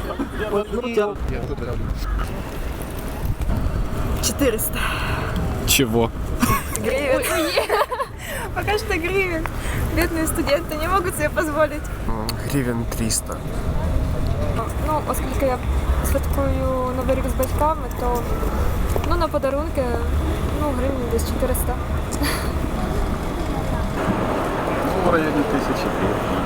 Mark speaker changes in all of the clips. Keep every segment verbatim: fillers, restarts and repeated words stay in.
Speaker 1: четыреста.
Speaker 2: Чего?
Speaker 1: Гривен. Пока что гривен. Бедные студенты не могут себе позволить.
Speaker 3: Гривень триста.
Speaker 1: Ну, оскільки я святкую Новий рік з батьками, то ну, на подарунки ну, гривень десь чотириста.
Speaker 2: В районе тысячи гривен.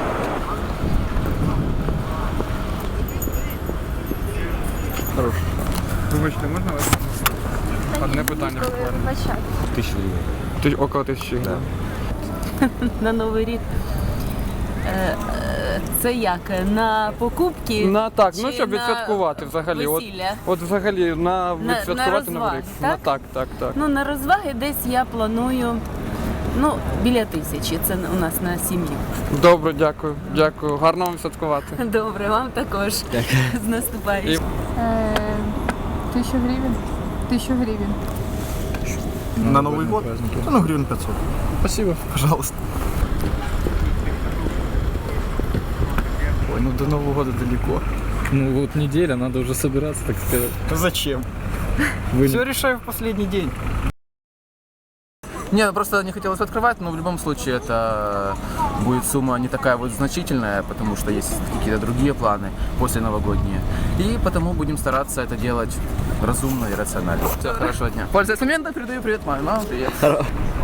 Speaker 2: Хорош.
Speaker 4: Вибачте, можна вас? Одне питання.
Speaker 2: Тысяча гривен.
Speaker 4: Ти около тисячі гривень.
Speaker 5: На Новий рік. Е, е, Це як? На покупки?
Speaker 4: На так, ну
Speaker 5: чи
Speaker 4: щоб
Speaker 5: на
Speaker 4: відсвяткувати взагалі. От,
Speaker 5: весілля?
Speaker 4: от взагалі на
Speaker 5: На-
Speaker 4: відсвяткувати
Speaker 5: на
Speaker 4: Новий рік.
Speaker 5: розваги,
Speaker 4: На
Speaker 5: так?
Speaker 4: так, так, так.
Speaker 5: Ну, на розваги десь я планую, ну, біля тисячі. Це у нас на сім'ю.
Speaker 4: Добре, дякую, дякую. Гарно вам святкувати.
Speaker 5: Добре, вам також. З наступаючим.
Speaker 6: Тысяча гривен. Тысяча гривен.
Speaker 2: На Новый год? Ну, гривен пятьсот.
Speaker 4: Спасибо.
Speaker 2: Пожалуйста. Ой, ну до Нового года далеко.
Speaker 7: Ну вот неделя, надо уже собираться, так сказать.
Speaker 2: Зачем?
Speaker 7: Вы
Speaker 2: Все решаю в последний день.
Speaker 3: Не, ну просто не хотелось открывать, но в любом случае это будет сумма не такая вот значительная, потому что есть какие-то другие планы после новогодние. И потому будем стараться это делать разумно и рационально. Все, хорошего дня. Пользуясь моментом, передаю привет маме. Мама, привет.